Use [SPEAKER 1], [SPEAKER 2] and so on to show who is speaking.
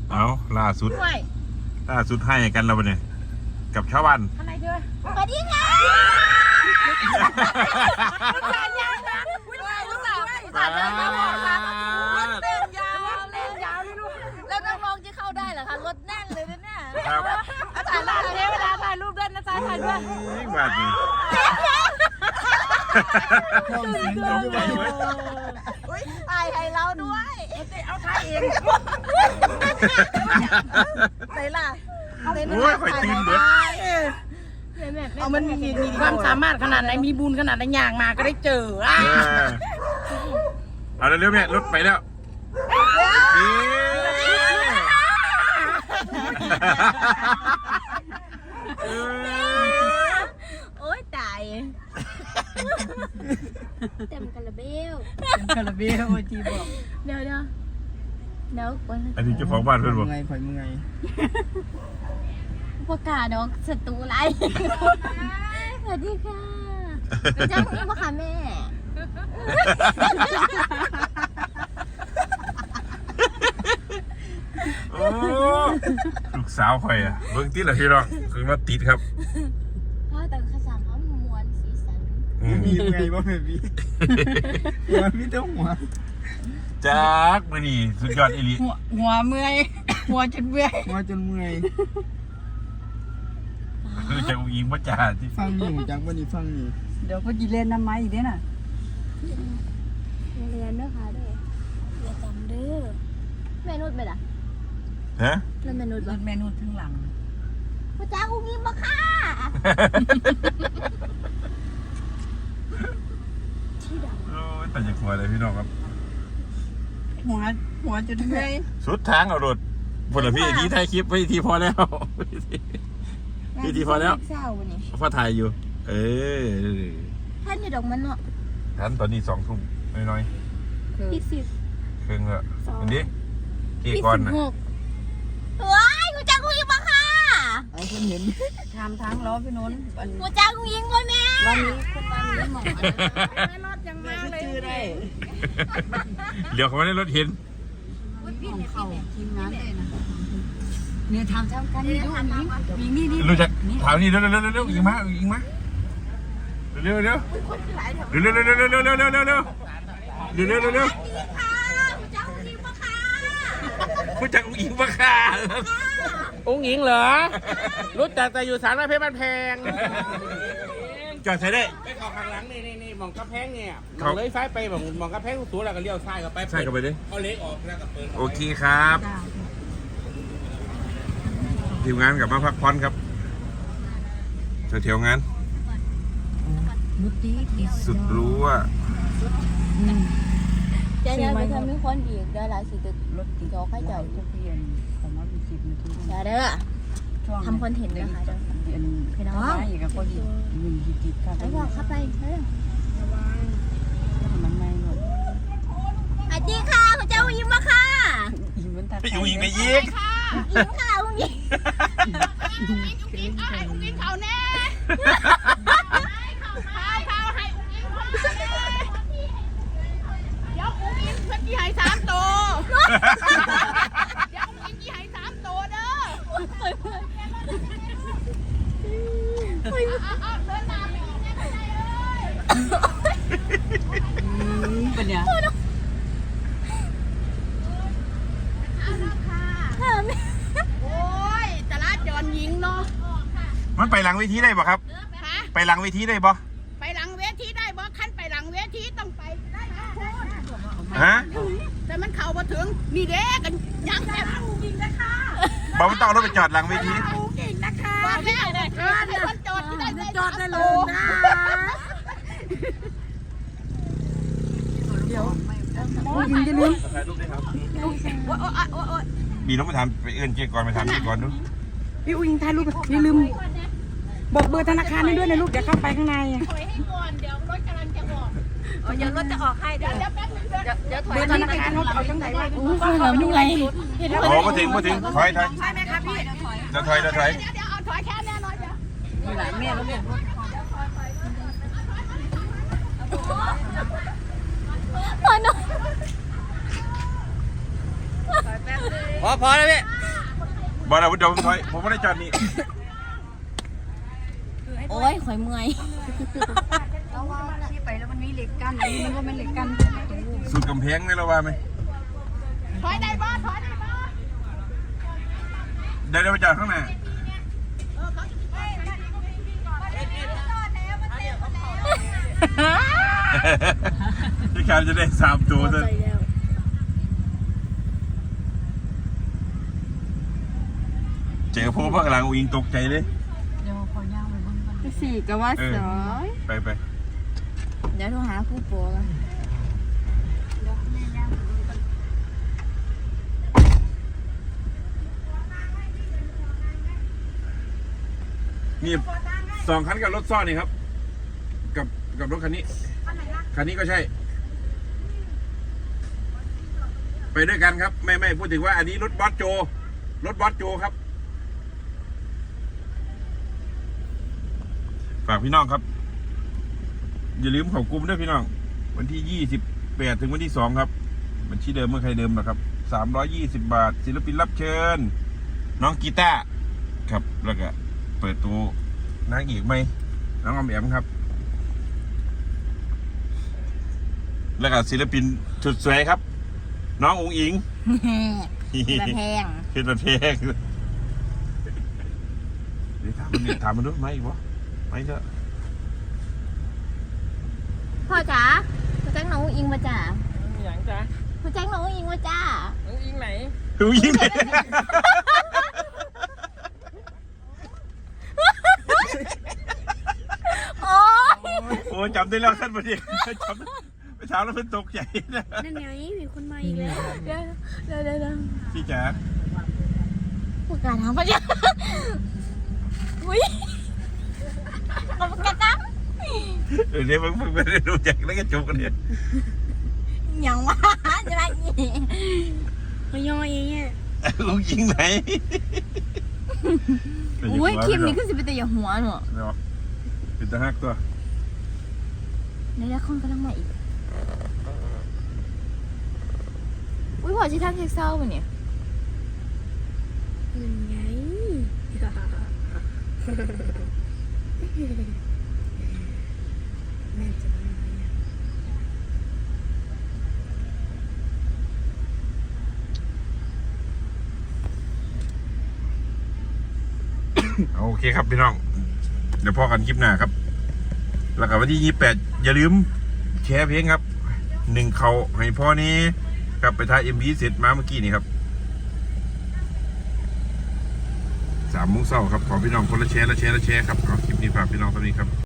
[SPEAKER 1] เอาล่าสุดให้กันแล้วเนี่ยกับชาวบ้าน
[SPEAKER 2] อะไรเด้อสวัสดีค่ะสายยาวนะสายยาวนะรถเล่นยาวเลยลูกแล้วน้องๆจะเข้าได้เหรอคะรถแน่นเลยนะเนี่ยถ่ายรูปเวลาถ่ายรูปด้วยนะจ๊ะถ่ายด้วย
[SPEAKER 1] บาดนี้
[SPEAKER 2] ถ่ายให้เราด้วยเอาถ่ายเองไหนล่ะ
[SPEAKER 1] โอ้ยคอยตีนเด็ด
[SPEAKER 2] เอามันมีความสามารถขนาดไหนมีบุญขนาดไหนย่างมาก็ได้เจอ
[SPEAKER 1] เอาเร็วๆเนี่ยรถไปแล้ว
[SPEAKER 2] โอ๊ยตายเต็มคาราเบลจีบอกเดี๋ยว
[SPEAKER 1] อันนี้เจ้าของบ้านเพื่อนบอก
[SPEAKER 3] ไงข่อยมึงไง
[SPEAKER 2] ประกาศน้องศัตรูไรสวัสดีค่ะจ้าคุณพ่อค่ะแม่
[SPEAKER 1] โอ้ลูกสาวข่อยอ่ะเบิ่งติดเหรอพี่น้องคือมาติดครับ
[SPEAKER 2] พ่อแต่ข้าสารเขามวนสีสัน
[SPEAKER 3] มีไงบ้างพี่หัวพี่เจ้าหัว
[SPEAKER 1] จักมื้อนี้สุดยอดอีหลี
[SPEAKER 2] หัวเมื่อยหัวจนเมื่อย
[SPEAKER 1] คือจะอุ้งว่าจ่าที่
[SPEAKER 3] ฟังอยู่จังวันนี้ฟังอยู่
[SPEAKER 4] เดี๋ยวก็จีเล่นน้ำไม้อีกเด้น่ะ
[SPEAKER 2] เรียนเด้อค่ะเด้ออย่าจำเด้อแม่นุชไปล่ะ
[SPEAKER 1] ฮะ
[SPEAKER 2] แล้วแม่นุช
[SPEAKER 4] เมนูทั้งหลัง
[SPEAKER 2] พ่อจ้าอุ้งยิ้มบ่ค่ะที่ดำ
[SPEAKER 1] โอ้ยแต่จะคอยเลยพี่น้องครับ
[SPEAKER 4] หัวจุดเมื่อย
[SPEAKER 1] สุดทางเอารถพลพี่ที่ถ่ายคลิปพี่ทีพอแล้วพี่ทีพอแล้วพ่อถ่ายอยู่
[SPEAKER 2] ท่านอยู่ดอกมันเนาะ
[SPEAKER 1] ท่านตอนนี้2 ทุ่มน้อย
[SPEAKER 2] ๆ20
[SPEAKER 1] ครึ่งแล้วอันนี้กี่ก้อนนะ
[SPEAKER 2] ว้ายกูจ้ากูยิงมาค่ะ
[SPEAKER 3] ไอ้คนเห็น
[SPEAKER 4] ทำทั้งล้อพี่นนท์
[SPEAKER 2] กูจ้ากูยิงด้วยแม่
[SPEAKER 4] วันนี้คุณวันนี้หมอ
[SPEAKER 2] แม่รถยังมาเลย
[SPEAKER 1] เดี๋ยวเขาไม่ได้รถเห็น
[SPEAKER 4] ของเขาทีมงานเลยนะเนี่ยทำกันนี่ดูนี่
[SPEAKER 1] รู้จักถามนี่เร็วยิงมาเร็วรู้จักอุ้งอิงปะค่ะ
[SPEAKER 5] อุ้งอิงเหรอรู้จักแต่อยู่สารเพชรบ้านแพง
[SPEAKER 1] จอดใช้ได้
[SPEAKER 5] ไปเข้าข้างหลังนี่มองกระแพงเนี่ยมองเลยซ้ายไปมองกระแพงสูงแล้วก็เลี้ยวซ้ายกับไป
[SPEAKER 1] ใช่กับไปดิ
[SPEAKER 5] เอาเล็กออกแล้วก็เปิด
[SPEAKER 1] โอเคครับทีมงานกลับมาพักผ่อนครับเที่ยวงานสุดรู้ว่า
[SPEAKER 2] เดี๋ยวไปทำให้คนอีกได้หลายสิตึก
[SPEAKER 4] รถติด
[SPEAKER 2] จอใครเจ้า
[SPEAKER 4] ทุกเย็นประมาณ10 นาที
[SPEAKER 2] เด้อทำคอนเทนต์นะคะเด้อ
[SPEAKER 4] พี่น้องอีกกับคนยืนติดกัน
[SPEAKER 2] ไปบอกเข้าไปเฮ้ย
[SPEAKER 4] มันไม่หมด
[SPEAKER 2] สวัสดีค่ะคุณเจ้ายิ้มมาค่ะ
[SPEAKER 1] อยู่ยิงไปยิง
[SPEAKER 2] ยิ้มค่ะอุ้งยิ้มอุ้งยิ้มเขาแน่เขาให้อุ้งยิ้มเดี๋ยวอุ้งยิ้มเพื่อนที่ให้3 ตัวเดี๋ยวอุ้งยิ้มที่ให้3 ตัวเด้อ
[SPEAKER 4] เป็นเนี่ย
[SPEAKER 2] โอ้ยตลาดจอนยิงเนาะ
[SPEAKER 1] มันไปหลังเวทีได้ป่ะครับไปหลังเวทีได้ป่ะ
[SPEAKER 2] ไปหลังเวทีได้บ่ขั้นไปหลังเวทีต้องไปได้
[SPEAKER 1] ฮะ
[SPEAKER 2] แต่มันเข้ามาถึงนี่เด้กันยังแค่จริงนะคะ
[SPEAKER 1] บอกมันต้องรถไปจอดหลังเวที
[SPEAKER 2] จริงนะคะว่าแม่คนจอดที่ได้จอดได้เลยนะเดี๋ยว
[SPEAKER 4] ยิงจะลืม
[SPEAKER 1] มีน้องไปทำไปเอื้อนเจ๊ก่อนไปทำเจ๊ก่อนดู
[SPEAKER 4] พี่อุ้งถ่ายรูปอย่าลืมบอกเบอร์ธนาคารให้ด้วยนะลูกเดี๋ยวเข้าไปข้างใน
[SPEAKER 2] ถอยให้ก่อนเดี๋ยวรถกำลังจะออกเดี๋ยวรถจะออกให้เดี๋ยวแป๊บนึงเดี๋ยวถอย
[SPEAKER 4] เบอร์ธนาคารรถเอาจังไหนวะ
[SPEAKER 2] เหมือนไง
[SPEAKER 1] โอ้มาถึงถอย
[SPEAKER 2] ใช่ไหมครับพี่
[SPEAKER 1] จะถอยเดี๋ยว
[SPEAKER 2] เอาถอยแค่แน่นอนเดี๋ยว
[SPEAKER 4] มีหลายแม่แล้วเนี่ย
[SPEAKER 2] พอหน่อย
[SPEAKER 5] พอแล้วพี่
[SPEAKER 1] บอลนะเดี๋ยวผมไม่ได้จอดนี่
[SPEAKER 2] โอ้ยข่อยเมื่อย
[SPEAKER 4] แล้วว่าที่ไปแล้วมันมีเหล็กกั้นอันนี้มันก็เป็นเหล็กกั้นประตู
[SPEAKER 1] สุดกำแพงไหมเราว่าไหม
[SPEAKER 2] ถอยได้บ่ถอยได้บ่
[SPEAKER 1] เดี๋ยวไปจอดข้างหน้าพี่คามจะได้3 ตัวเลยเจอพวกข้างหลังอิงตกใจเลย
[SPEAKER 4] เดี๋ยวขอย่างไปบ้างก่อน
[SPEAKER 2] สี่ก็ว่าสอย
[SPEAKER 1] ไป
[SPEAKER 2] เดี๋ยวโทรหาผู้โปรกัน
[SPEAKER 4] เดี๋ยวแม่ย่างไปบ้างก่อน
[SPEAKER 1] มี2 คันกับรถซ่อนนี่ครับกับรถคันนี้คันนี้ก็ใช่ไปด้วยกันครับไม่พูดถึงว่าอันนี้รถบอสโจครับฝากพี่น้องครับอย่าลืมเข้ากลุ่มด้วยพี่น้องวันที่28ถึงวันที่2ครับบัญชีเดิมเมื่อใครเดิมนะครับ320 บาทศิลปินรับเชิญน้องกีตาร์ครับแล้วก็เปิดตัวนางเอกไหมน้องออมแอมครับแล้วก็ศิลปินสุดสวยครับน้องอุ๋งอิง
[SPEAKER 2] แบบแพง
[SPEAKER 1] เป็นประเภทเดี๋ยวถามมันด้วยไหมอีกวะไม่เถอะ
[SPEAKER 2] พ่อจ๋าพ่อแจ้งน้องอิงมาจ้า
[SPEAKER 5] อย่างจ้ะ
[SPEAKER 2] พ่อแจ้งน้องอิงมาจ้า
[SPEAKER 5] น้องอิงไหน
[SPEAKER 1] อุ๋งอิงเนี่ย
[SPEAKER 2] โอ้ย
[SPEAKER 1] โอ้จำได้แล้วท่านประเดี๋ยวจำไปถามแล้วเพิ่นตกใจนะ
[SPEAKER 2] นั่นไงมีคนมาอีกแล้วเดี๋ยว
[SPEAKER 1] พี่จ๋า
[SPEAKER 2] ผู้การถามพ่อจ๋าอุ้ยขอบคุณครับ
[SPEAKER 1] เดี๋ยวมึงไม่ได้รู้จักแล้วก็จบกันเนี่ย
[SPEAKER 2] ยังวะจะมาอีกมาย่อยอย่างเงี้ย
[SPEAKER 1] อุ๋งอิงไหน
[SPEAKER 2] อุ้ยคลิปนี้ก็สิเป็นแต่อย่าหัวหนู
[SPEAKER 1] เนาะเป็นตาฮักตัว
[SPEAKER 2] ในละครกำลังมาอีกอุ้ยพอชิทักเทคเศร้าป่ะเนี่ยยังไงแม่จะมาเนี่ย
[SPEAKER 1] โอเคครับพี่น้องเดี๋ยวพอกันคลิปหน้าครับแล้วก็วันที่28อย่าลืมแชร์เพลงครับ1เขาให้พ่อนี้ครับไปถ่าย MV เสร็จมาเมื่อกี้นี่ครับ3 โมงเช้าครับขอพี่น้องคนละแชร์ครับเอาคลิปนี้ฝากพี่น้องเท่านี้ครับ